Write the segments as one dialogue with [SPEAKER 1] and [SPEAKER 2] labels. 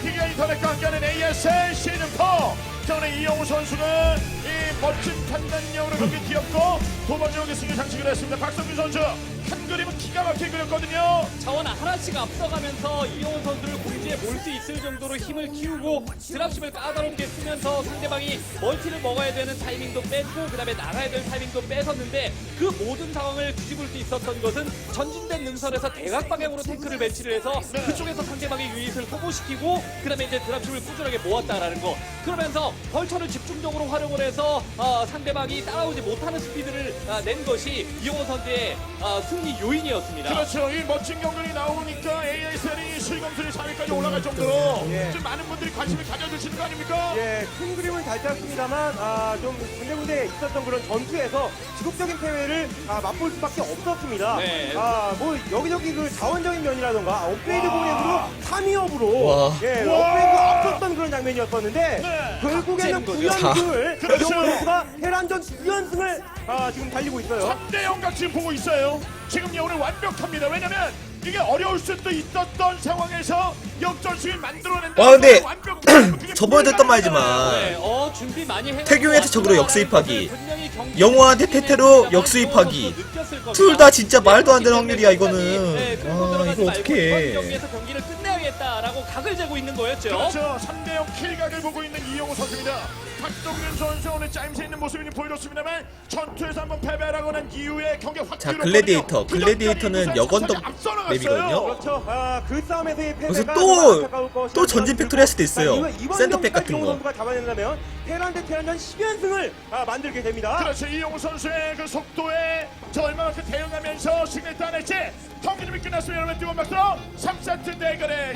[SPEAKER 1] KT가 인터넷과 함께하는 ASL 시즌4. 자, 오늘 이영우 선수는 이 멋진 판단력으로 경기 뛰었고 두 번째 경기 승리 장식을 했습니다. 박성균 선수 한 그림은 기가 막히게 그렸거든요.
[SPEAKER 2] 자원 하나씩 앞서가면서 이영호 선수를 공지에 몰 수 있을 정도로 힘을 키우고 드랍십을 까다롭게 쓰면서 상대방이 멀티를 먹어야 되는 타이밍도 뺐고 그 다음에 나가야 될 타이밍도 뺏었는데 그 모든 상황을 뒤집을 수 있었던 것은 전진된 능선에서 대각 방향으로 탱크를 배치를 해서 그쪽에서 상대방의 유닛을 소모시키고 그 다음에 이제 드랍십을 꾸준하게 모았다라는 거. 그러면서 벌처를 집중적으로 활용을 해서 상대방이 따라오지 못하는 스피드를 낸 것이 이영호 선수의 승리 요인이었습니다.
[SPEAKER 1] 그렇죠. 이 멋진 경기이 나오니까 ASL이 실검순위 4위까지 올라갈 정도로 좀 많은 분들이 관심을 가져주시는 거 아닙니까?
[SPEAKER 3] 예, 큰 그림은 잘 짰습니다만 좀 군데군데 있었던 그런 전투에서 지속적인 패배를 맛볼 수밖에 없었습니다.
[SPEAKER 2] 네.
[SPEAKER 3] 뭐 여기저기 그 자원적인 면이라던가 업그레이드 공략으로 3위업으로
[SPEAKER 4] 와.
[SPEAKER 3] 예, 업그레이드가 앞섰던 그런 장면이었었는데
[SPEAKER 1] 네.
[SPEAKER 3] 결국에는
[SPEAKER 2] 거죠.
[SPEAKER 3] 9연승을
[SPEAKER 1] 그렇죠.
[SPEAKER 3] 이영호 선수가 테란전 9연승을 지금 달리고 있어요.
[SPEAKER 1] 3대0 같이 보고 있어요. 지금 오늘 완벽합니다. 왜냐면 이게 어려울 수도 있었던 상황에서 역전승을 만들어낸다.
[SPEAKER 4] 와, 근데 저번에도 했던 말이지만
[SPEAKER 2] 네, 준비 많이 해놓고
[SPEAKER 4] 태경이한테 적으로 역수입하기,
[SPEAKER 2] 분명히 경기
[SPEAKER 4] 영호한테 테테로 역수입하기. 둘 다 진짜 말도 안 되는 확률이야 이거는. 와, 이거 어떻게
[SPEAKER 2] 이번
[SPEAKER 4] 해.
[SPEAKER 2] 경기에서 경기를 끝내야겠다라고 각을 재고 있는 거였죠.
[SPEAKER 1] 그렇죠. 3대0 킬각을 보고 있는 이영호 선수입니다. 박동균 선수 오늘 짜임새 있는 모습을 보여줬습니다만 전투에서 한번 패배하고 난 이후에 경기 확
[SPEAKER 4] 자,
[SPEAKER 1] 줄었거든요.
[SPEAKER 4] 글래디에이터는 여건덕 맵이거든요.
[SPEAKER 3] 그렇죠. 그 싸움에서의 패배가
[SPEAKER 4] 그래서
[SPEAKER 3] 안타까울
[SPEAKER 4] 또 전진 팩토리 할 수도 있어요.
[SPEAKER 3] 이번
[SPEAKER 4] 센터백
[SPEAKER 3] 경기까지
[SPEAKER 4] 같은
[SPEAKER 3] 이영호
[SPEAKER 4] 거.
[SPEAKER 3] 선수가 잡아낸다면 테란 대 테란전 10연승을 만들게 됩니다.
[SPEAKER 1] 그렇죠. 이영호 선수의 그 속도에 저 얼마만큼 대응하면서 승리 따낼지 경기 준비 끝났습니다. 여러분 뜨거운 박수로 3세트 대결의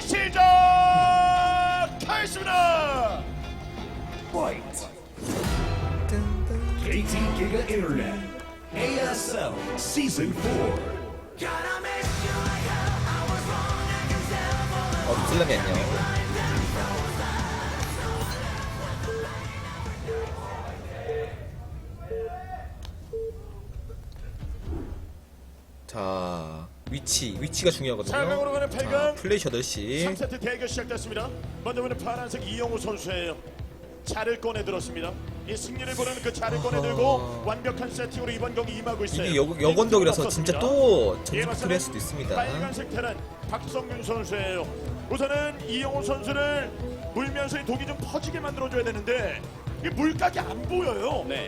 [SPEAKER 1] 시작하겠습니다.
[SPEAKER 5] KT Giga Internet, ASL Season 4.
[SPEAKER 4] 슬럼이 안녕. 자, 위치가 중요하거든요.
[SPEAKER 1] 4강으로 가는
[SPEAKER 4] 자,
[SPEAKER 1] 8강
[SPEAKER 4] 플레이 8시.
[SPEAKER 1] 3세트 대결 시작됐습니다. 먼저 보는 파란색 이영호 선수예요. 차를 꺼내 들었습니다. 이 승리를 보려는 그 차를 꺼내 들고 완벽한 세팅으로 이번 경기 임하고 있어요.
[SPEAKER 4] 이게 여건덕이라서 진짜 또 전진 팩토리 할 수도 있습니다.
[SPEAKER 1] 빨간색 테란 박성균 선수예요. 우선은 이영호 선수를 물면서 이 독이 좀 퍼지게 만들어줘야 되는데 이 물각이 안 보여요.
[SPEAKER 2] 네.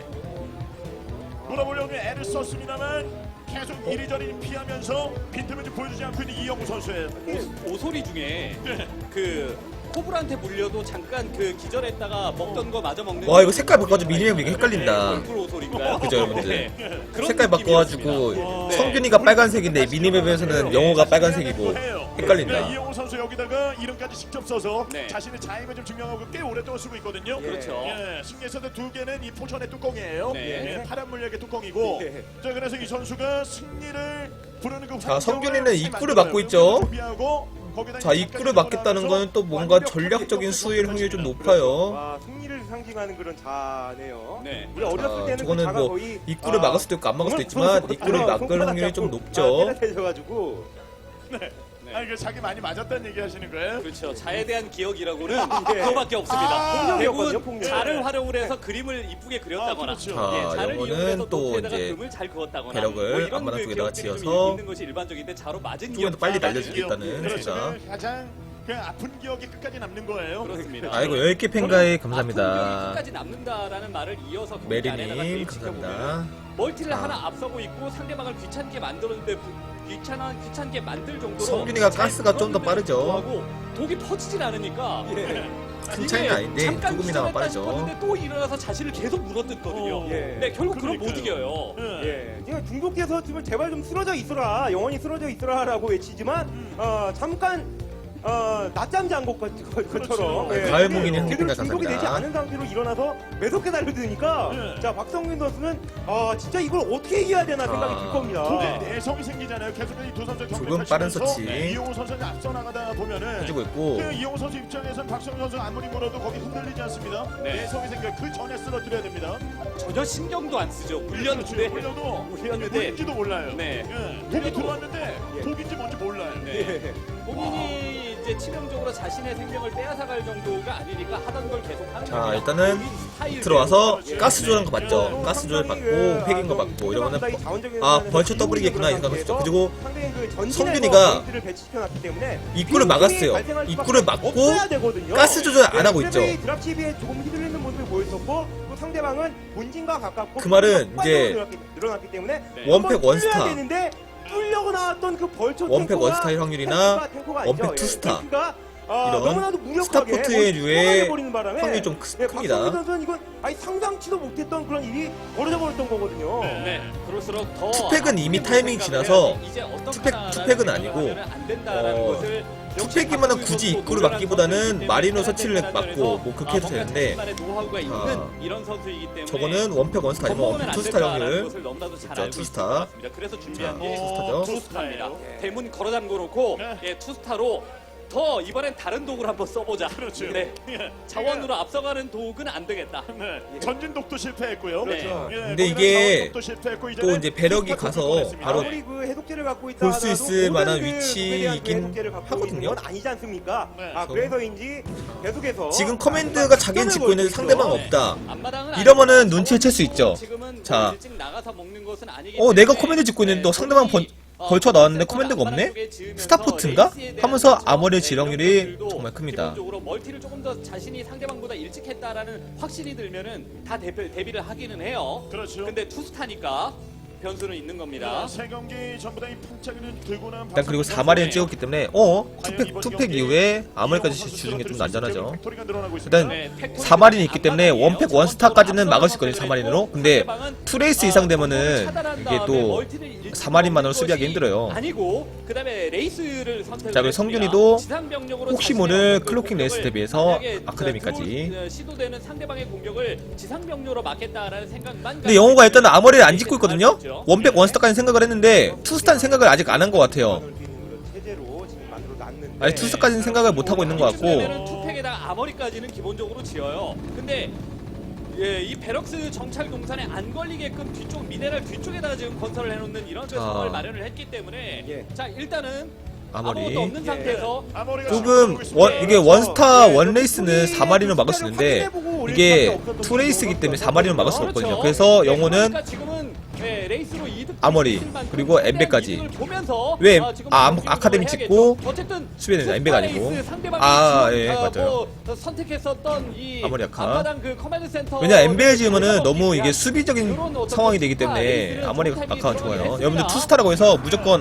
[SPEAKER 1] 몰아보려고 애를 썼습니다만 계속 이리저리 피하면서 빈틈을 좀 보여주지 않고 있는 이영호 선수예요.
[SPEAKER 2] 오소리 중에
[SPEAKER 1] 네.
[SPEAKER 2] 그 코브라한테 물려도 잠깐 그 기절했다가 먹던 거 마저 먹는.
[SPEAKER 4] 와, 이거 색깔 바꿔가지고 미니맵 이게 헷갈린다.
[SPEAKER 2] 얼굴 오소리인가요?
[SPEAKER 4] 그죠, 여러분들?
[SPEAKER 2] 네. 그런
[SPEAKER 4] 색깔 바꿔가지고
[SPEAKER 2] 느낌이었습니다. 네.
[SPEAKER 4] 성균이가 빨간색인데 미니맵에서는 영호가 빨간색이고 헷갈린다.
[SPEAKER 1] 네, 이영호 선수 여기다가 이름까지 직접 써서
[SPEAKER 2] 네.
[SPEAKER 1] 자신의 자임을 좀 증명하고 꽤 오랫동안 쓰고 있거든요.
[SPEAKER 2] 그렇죠.
[SPEAKER 1] 예, 승리에서도 2개는 이 포천의 뚜껑이에요.
[SPEAKER 2] 네.
[SPEAKER 1] 예, 파란 물약의 뚜껑이고.
[SPEAKER 3] 네.
[SPEAKER 1] 자, 그래서 이 선수가 승리를 부르는 그
[SPEAKER 4] 자,
[SPEAKER 1] 환경을
[SPEAKER 4] 성균이는
[SPEAKER 1] 잘
[SPEAKER 4] 입구를
[SPEAKER 1] 만들어요.
[SPEAKER 4] 막고 있죠.
[SPEAKER 1] 준비하고 거기다
[SPEAKER 4] 자,
[SPEAKER 1] 이제
[SPEAKER 4] 입구를 막겠다는 거는 또 뭔가 전략적인 수위일 확률이 좀 높아요.
[SPEAKER 3] 승리를 상징하는 그런 자네요.
[SPEAKER 2] 네.
[SPEAKER 3] 우리 어렸을 때는
[SPEAKER 4] 저거는
[SPEAKER 3] 그 자가
[SPEAKER 4] 뭐
[SPEAKER 3] 거의
[SPEAKER 4] 입구를 막을 수도 있고 안 막을 수도 있지만 입구를 막을 확률이 좀 높죠.
[SPEAKER 3] 되셔가지고
[SPEAKER 1] 네. 아, 이거 자기 많이 맞았다는 얘기 하시는 거예요?
[SPEAKER 2] 그렇죠. 자에 대한 기억이라고는
[SPEAKER 3] 예.
[SPEAKER 2] 그거밖에 없습니다.
[SPEAKER 3] 폭력이었거든요,
[SPEAKER 2] 대부분
[SPEAKER 3] 폭력.
[SPEAKER 2] 자를 활용을 해서 그림을 이쁘게 그렸다거나,
[SPEAKER 1] 그렇죠.
[SPEAKER 4] 자,
[SPEAKER 2] 자를
[SPEAKER 4] 요거는
[SPEAKER 2] 이용해서
[SPEAKER 4] 또
[SPEAKER 2] 노트에다가
[SPEAKER 4] 이제
[SPEAKER 2] 그림을 잘 그었다거나,
[SPEAKER 4] 배럭을
[SPEAKER 2] 뭐 이런
[SPEAKER 4] 앞마당
[SPEAKER 2] 그
[SPEAKER 4] 쪽에다가
[SPEAKER 2] 기억들이 좀
[SPEAKER 4] 지어서
[SPEAKER 2] 있는 것이 일반적인데 자로 맞은
[SPEAKER 4] 쪽에도
[SPEAKER 2] 기억.
[SPEAKER 4] 빨리
[SPEAKER 1] 아,
[SPEAKER 4] 날려주겠다는
[SPEAKER 1] 그렇죠.
[SPEAKER 4] 진짜.
[SPEAKER 1] 가장 그냥 아픈 기억이 끝까지 남는 거예요.
[SPEAKER 2] 그렇습니다.
[SPEAKER 4] 아이고 10개 팬가에
[SPEAKER 2] 아픈 기억이
[SPEAKER 4] 감사합니다.
[SPEAKER 2] 끝까지 남는다라는 말을 이어서 경기 안에다가
[SPEAKER 4] 메리님
[SPEAKER 2] 대입시켜보면
[SPEAKER 4] 감사합니다.
[SPEAKER 2] 멀티를
[SPEAKER 4] 자.
[SPEAKER 2] 하나 앞서고 있고 상대방을 귀찮게 만들었는데 귀찮게 만들 정도로
[SPEAKER 4] 성균이가 가스가 좀 더 빠르죠.
[SPEAKER 2] 불구하고 독이 퍼지질 않으니까
[SPEAKER 4] 큰 차이는 아닌데
[SPEAKER 2] 잠깐
[SPEAKER 4] 조금이나마
[SPEAKER 2] 기절했다
[SPEAKER 4] 빠르죠.
[SPEAKER 2] 싶었는데 또 일어나서 자신을 계속 물어뜯거든요.
[SPEAKER 3] 예.
[SPEAKER 2] 네, 결국 그럼 못
[SPEAKER 1] 그러니까요.
[SPEAKER 2] 이겨요.
[SPEAKER 1] 예.
[SPEAKER 3] 지금 중국에서 지금 제발 좀 쓰러져 있어라, 영원히 쓰러져 있어라라고 외치지만 잠깐 낮잠 잔 것처럼
[SPEAKER 1] 그렇죠.
[SPEAKER 4] 가을몽이는
[SPEAKER 3] 제대로
[SPEAKER 4] 햇빛가
[SPEAKER 3] 중독이 되지
[SPEAKER 4] 감사합니다.
[SPEAKER 3] 않은 상태로 일어나서 매섭게 달려드니까
[SPEAKER 1] 네.
[SPEAKER 3] 자, 박성균 선수는 진짜 이걸 어떻게 이겨야 되나 생각이 들 겁니다.
[SPEAKER 1] 독에 내성이 생기잖아요. 계속 이 두 선수
[SPEAKER 4] 조금 빠른 서치.
[SPEAKER 1] 이용호 선수가 앞서 나가다 보면은
[SPEAKER 4] 해주고 있고
[SPEAKER 1] 그 이용호 선수 입장에서는 박성현 선수 아무리 물어도 거기 흔들리지 않습니다.
[SPEAKER 2] 네.
[SPEAKER 1] 내성이 생겨 그 전에 쓰러뜨려야 됩니다.
[SPEAKER 2] 전혀 신경도 안 쓰죠. 울렸는데
[SPEAKER 1] 물려도
[SPEAKER 2] 울렸는데
[SPEAKER 1] 뭔지도 몰라요.
[SPEAKER 2] 네.
[SPEAKER 1] 예. 독이 들어왔는데 독인지 뭔지 몰라요.
[SPEAKER 2] 네. 본인이 이제 치명적으로 자신의 생명을 빼앗아갈 정도가 아니니까 하던 걸 계속 하는
[SPEAKER 4] 자,
[SPEAKER 2] 겁니다.
[SPEAKER 4] 일단은
[SPEAKER 2] 본인 스타일대로.
[SPEAKER 4] 들어와서
[SPEAKER 2] 예.
[SPEAKER 4] 가스 조절한 거 봤죠. 가스 조절 받고 패긴 거 받고 이러면은 아 벌쳐 더블이겠구나 이 생각했죠. 그리고 성균이가 입구를 막았어요. 입구를 막고 가스 조절 안 하고 있죠.
[SPEAKER 3] 드랍십에 조금 휘둘리는 모습을 보였었고 또 상대방은 본진과 가깝고
[SPEAKER 4] 그 말은 이제
[SPEAKER 3] 늘어났기 때문에
[SPEAKER 4] 원팩 원스타
[SPEAKER 3] 뚫려고 나왔던 그 벌초
[SPEAKER 4] 원팩
[SPEAKER 3] 탱커가
[SPEAKER 4] 원스타일 확률이나
[SPEAKER 3] 탱커가
[SPEAKER 4] 원팩
[SPEAKER 3] 아니죠.
[SPEAKER 4] 투스타
[SPEAKER 3] 탱크가,
[SPEAKER 4] 이런
[SPEAKER 3] 너무나도 무력하게
[SPEAKER 4] 스타포트의 류의
[SPEAKER 3] 뽑아내버리는 바람에,
[SPEAKER 4] 확률이 좀 큽니다.
[SPEAKER 3] 박성민 선수는 이건 상상치도 못했던 그런 일이 벌어져 버렸던 거거든요.
[SPEAKER 2] 네, 그럴수록 더
[SPEAKER 4] 투팩은 이미 타이밍이 지나서 투팩은 아니고 투팩이면은 굳이 입구를 막기보다는 마리노 서치를 막고 뭐 그렇게 해도 되는데 저거는 원팩 원스타 아니면 원팩 투스타 확률 자, 투스타.
[SPEAKER 2] 그래서 준비한 게
[SPEAKER 4] 투스타죠.
[SPEAKER 2] 투스타입니다. 대문 걸어 잠궈 놓고
[SPEAKER 1] 네.
[SPEAKER 2] 예, 투스타로 더 이번엔 다른 도구를 한번 써보자.
[SPEAKER 1] 그렇죠.
[SPEAKER 2] 네.
[SPEAKER 1] 예.
[SPEAKER 2] 자원으로 앞서가는 도구는 안 되겠다.
[SPEAKER 1] 네. 전진독도 실패했고요.
[SPEAKER 2] 그렇죠.
[SPEAKER 1] 예,
[SPEAKER 4] 근데
[SPEAKER 1] 거기다
[SPEAKER 4] 이게
[SPEAKER 1] 자원독도 실패했고
[SPEAKER 4] 또 이제 배럭이
[SPEAKER 1] 투스타
[SPEAKER 4] 가서
[SPEAKER 1] 공격을
[SPEAKER 4] 바로
[SPEAKER 1] 했습니다.
[SPEAKER 3] 아무리 그 해독제를 갖고 있다
[SPEAKER 4] 볼수
[SPEAKER 3] 하더라도
[SPEAKER 4] 있을 만한
[SPEAKER 3] 모든 그
[SPEAKER 4] 위치이긴
[SPEAKER 3] 국에 대한 그 해독제를 갖고
[SPEAKER 4] 하거든요.
[SPEAKER 3] 있는 건 아니지 않습니까?
[SPEAKER 1] 네.
[SPEAKER 3] 그래서인지 계속해서
[SPEAKER 4] 지금 커맨드가 자기는 짓고 있는데 상대방 없다.
[SPEAKER 2] 앞마당은
[SPEAKER 4] 이러면은
[SPEAKER 2] 아니지만
[SPEAKER 4] 눈치를 챌 수 있죠.
[SPEAKER 2] 지금은
[SPEAKER 4] 자.
[SPEAKER 2] 뭐 일찍 나가서 먹는 것은 아니기
[SPEAKER 4] 내가
[SPEAKER 2] 때문에
[SPEAKER 4] 커맨드 짓고 있는데 또
[SPEAKER 2] 네,
[SPEAKER 4] 상대방
[SPEAKER 2] 본인이,
[SPEAKER 4] 벌쳐 나왔는데
[SPEAKER 2] 센터를
[SPEAKER 4] 커맨드가 없네?
[SPEAKER 2] 앞마당 쪽에 지으면서
[SPEAKER 4] 스타포트인가?
[SPEAKER 2] 레이스에 대한
[SPEAKER 4] 하면서
[SPEAKER 2] 자원,
[SPEAKER 4] 아머리의
[SPEAKER 2] 네,
[SPEAKER 4] 지령률이
[SPEAKER 2] 이런 것들도
[SPEAKER 4] 정말 큽니다.
[SPEAKER 2] 기본적으로 멀티를 조금 더 자신이 상대방보다 일찍 했다라는 확신이 들면은 다 대비를 하기는 해요.
[SPEAKER 1] 그렇죠.
[SPEAKER 2] 근데 투스타니까 변수는 있는 겁니다.
[SPEAKER 1] 세 경기 전부 다이 판짜기를 들고 난
[SPEAKER 4] 일단 그리고
[SPEAKER 1] 박성민
[SPEAKER 4] 4마리를
[SPEAKER 1] 선수예요.
[SPEAKER 4] 찍었기 때문에 투팩 이후에 아무리까지 주는 게 좀 난전하죠. 일단
[SPEAKER 2] 네,
[SPEAKER 4] 4마리는 있기 때문에 원팩 원스타까지는 막을 수 있거든요. 4마리로. 근데 투레이스 이상 되면은 이게 또 4마리만으로 수비하기 힘들어요.
[SPEAKER 2] 아니고 그다음에 레이스를 선택을
[SPEAKER 4] 자, 그리고
[SPEAKER 2] 했습니다.
[SPEAKER 4] 성균이도
[SPEAKER 2] 지상병력으로
[SPEAKER 4] 혹시
[SPEAKER 2] 자신의
[SPEAKER 4] 모를
[SPEAKER 2] 어떤 그
[SPEAKER 4] 클로킹 레이스
[SPEAKER 2] 공격을
[SPEAKER 4] 대비해서
[SPEAKER 2] 만약에
[SPEAKER 4] 아카데미까지.
[SPEAKER 2] 시도되는 상대방의 공격을 지상병력으로 막겠다라는 생각만.
[SPEAKER 4] 근데 영호가 일단은 아머리를 안 짓고 있거든요. 원팩 원스타까지 생각을 했는데 투스타는 생각을 아직 안 한 것 같아요.
[SPEAKER 3] 체제로 지금 만들어 놨는데
[SPEAKER 4] 아니 투스타까지는 생각을 못 하고 있는 것 같고.
[SPEAKER 2] 이쯤 투팩에다가 아머리까지는 기본적으로 지어요. 근데 예, 이 베럭스 정찰 동산에 안 걸리게끔 뒤쪽 미네랄 뒤쪽에다가 지금 건설을 해놓는 이런 그 상황을 마련을 했기 때문에
[SPEAKER 3] 예.
[SPEAKER 2] 자 일단은
[SPEAKER 4] 아머리.
[SPEAKER 2] 아무것도 없는 상태에서
[SPEAKER 4] 조금 이게 원스타 원레이스는 4마리로 막을 수 있는데 이게 투레이스이기 때문에 4마리로 막을 수 없거든요. 그래서 영호는
[SPEAKER 2] 그러니까 지금은 예, 레이스로 이득
[SPEAKER 4] 아머리, 그리고 엠베까지.
[SPEAKER 2] 이득을 보면서
[SPEAKER 4] 왜
[SPEAKER 2] 지금
[SPEAKER 4] 아카데미
[SPEAKER 2] 해야겠죠.
[SPEAKER 4] 찍고
[SPEAKER 2] 어쨌든
[SPEAKER 4] 수비는 엠베가 아니고.
[SPEAKER 2] 레이스 상대방이
[SPEAKER 4] 예,
[SPEAKER 2] 지금,
[SPEAKER 4] 맞아요.
[SPEAKER 2] 뭐 선택했었던 이
[SPEAKER 4] 아머리 아카.
[SPEAKER 2] 앞마당 그 커맨드 센터
[SPEAKER 4] 왜냐 엠베를 지으면은 너무 이게
[SPEAKER 2] 이런
[SPEAKER 4] 수비적인
[SPEAKER 2] 어떤
[SPEAKER 4] 상황이 되기
[SPEAKER 2] 투스타
[SPEAKER 4] 때문에
[SPEAKER 2] 레이스를
[SPEAKER 4] 아머리
[SPEAKER 2] 정찰이
[SPEAKER 4] 아카가 좋아요.
[SPEAKER 2] 들어가긴
[SPEAKER 4] 여러분들
[SPEAKER 2] 했습니다.
[SPEAKER 4] 투스타라고 해서 무조건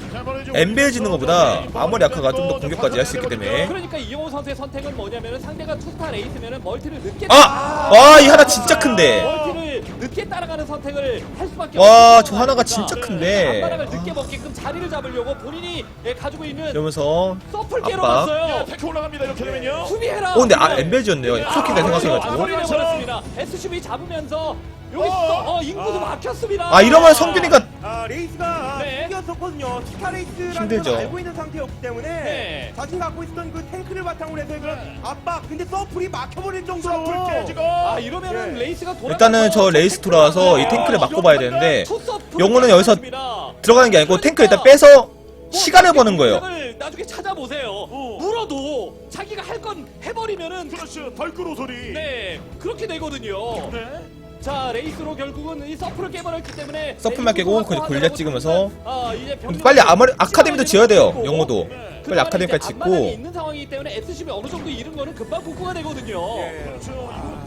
[SPEAKER 4] 엠벨 짓는 것보다 아머리 아카가 좀 더 공격까지 할 수 있기 때문에.
[SPEAKER 2] 그러니까 이영호 선수의 선택은 뭐냐면은 상대가 투스타 레이스면은 멀티를 늦게
[SPEAKER 4] 이 하나 진짜 큰데.
[SPEAKER 2] 멀티를 늦게 따라가는 선택을 할 수밖에
[SPEAKER 4] 와,
[SPEAKER 2] 없는
[SPEAKER 4] 저 하나가
[SPEAKER 2] 상황이니까.
[SPEAKER 4] 진짜 큰데.
[SPEAKER 2] 앞바닥을 늦게 먹게끔 자리를 잡으려고 본인이 가지고 있는
[SPEAKER 4] 이러면서
[SPEAKER 2] 서플 깨러
[SPEAKER 4] 압박.
[SPEAKER 2] 갔어요.
[SPEAKER 1] 탱크 올라갑니다. 이렇게 되면요.
[SPEAKER 2] 수비해라.
[SPEAKER 4] 근데 엠벨 지었네요. 크로킹까지 생각해가지고.
[SPEAKER 2] 아머리를 버렸습니다. SCB 잡으면서 여기서 인구도 막혔습니다.
[SPEAKER 4] 이러면 성균이가
[SPEAKER 3] 레이스가
[SPEAKER 2] 네.
[SPEAKER 3] 이겼었거든요. 스타 레이스라는
[SPEAKER 4] 힘들죠.
[SPEAKER 3] 걸 알고 있는 상태였기 때문에
[SPEAKER 2] 네.
[SPEAKER 3] 자신 갖고 있었던 그 탱크를 바탕으로 해서 그 압박 근데 서플이 막혀버릴 정도로
[SPEAKER 1] 서플 깨지고.
[SPEAKER 2] 이러면은
[SPEAKER 3] 예.
[SPEAKER 2] 레이스가 돌아.
[SPEAKER 4] 일단은 저 레이스 돌아와서 이 탱크를 막고 봐야 되는데 영호는 여기서 들어가는 게 아니고 탱크 일단 빼서 시간을 버는 거예요.
[SPEAKER 2] 나중에 찾아보세요. 물어도 자기가 할 건 해버리면은
[SPEAKER 1] 그렇죠. 덜끄러 소리.
[SPEAKER 2] 네 그렇게 되거든요.
[SPEAKER 1] 네.
[SPEAKER 2] 자 레이스로 결국은 이 서플을 깨버렸기 때문에
[SPEAKER 4] 서플만 깨고 그 골리앗 찍으면서
[SPEAKER 2] 이제
[SPEAKER 4] 빨리 아카데미도 지어야 돼요. 영호도 빨리 아카데미까지
[SPEAKER 2] 앞마당에
[SPEAKER 4] 짓고.
[SPEAKER 2] 있는 상황이기 때문에 SCB 어느 정도 잃은 거는 금방 복구가 되거든요.
[SPEAKER 1] 그렇죠.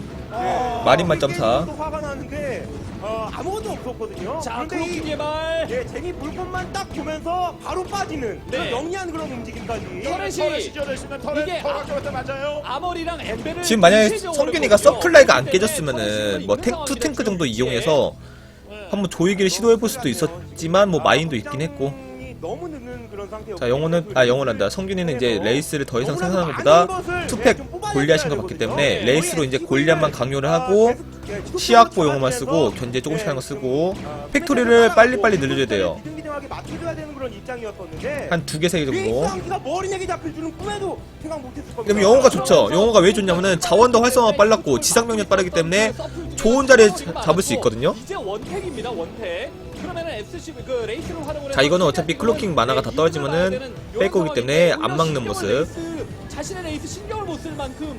[SPEAKER 4] 마린만 점사.
[SPEAKER 3] 또 화가 나는데 아무것도 없었거든요.
[SPEAKER 2] 자
[SPEAKER 3] 그런데
[SPEAKER 2] 크로킹
[SPEAKER 3] 이
[SPEAKER 2] 개발.
[SPEAKER 3] 재미 물건만 딱 보면서 바로 빠지는
[SPEAKER 2] 네.
[SPEAKER 3] 그런 영리한 그런 움직임까지.
[SPEAKER 2] 터렛이
[SPEAKER 1] 시절했으면
[SPEAKER 2] 이게
[SPEAKER 1] 터렛 맞아요.
[SPEAKER 2] 아머리랑 엠베를
[SPEAKER 4] 지금 만약에
[SPEAKER 2] 일체적으로
[SPEAKER 4] 성균이가
[SPEAKER 2] 거든요.
[SPEAKER 4] 서플라이가 안
[SPEAKER 2] 그렇기 때문에
[SPEAKER 4] 깨졌으면은
[SPEAKER 2] 터렛이
[SPEAKER 4] 뭐
[SPEAKER 2] 있는
[SPEAKER 4] 투 탱크
[SPEAKER 2] 상황이라
[SPEAKER 4] 정도
[SPEAKER 2] 지금
[SPEAKER 4] 이용해서 한번 조이기를 시도해볼 수도 있었지만 뭐 마인도 있긴 했고.
[SPEAKER 3] 너무 늦는 그런 상태였고.
[SPEAKER 4] 자 영호란다. 성균이는 이제 레이스를 더 이상 생산하는 것보다 투팩 골리앗인 것 같기 때문에 레이스로 이제 골리앗만 강요를 하고 시약보 용어만 쓰고 견제 조금씩 하는 거 쓰고 팩토리를 빨리빨리 늘려줘야 돼요.
[SPEAKER 3] 비등비등하게 맞춰줘야 되는 그런 입장이었었는데
[SPEAKER 4] 한 2개 3개
[SPEAKER 3] 레이스
[SPEAKER 4] 정도.
[SPEAKER 3] 상기가 머리내게 잡힐 줄은 꿈에도 생각 못했을 겁니다.
[SPEAKER 4] 그럼 영호가 좋죠. 영호가 왜 좋냐면은 자원도 활성화가 빨랐고 지상병력 빠르기 때문에 좋은 자리에 잡을 수 있거든요.
[SPEAKER 2] 이제 원팩입니다. 원팩. 그러면은 SC 그 레이스를 활용을
[SPEAKER 4] 자, 이거는 어차피 클로킹 만화가 다 떨어지면은 뺄 거기 때문에 안 막는 모습.
[SPEAKER 2] 자신의 레이스 신경을 못 쓸 만큼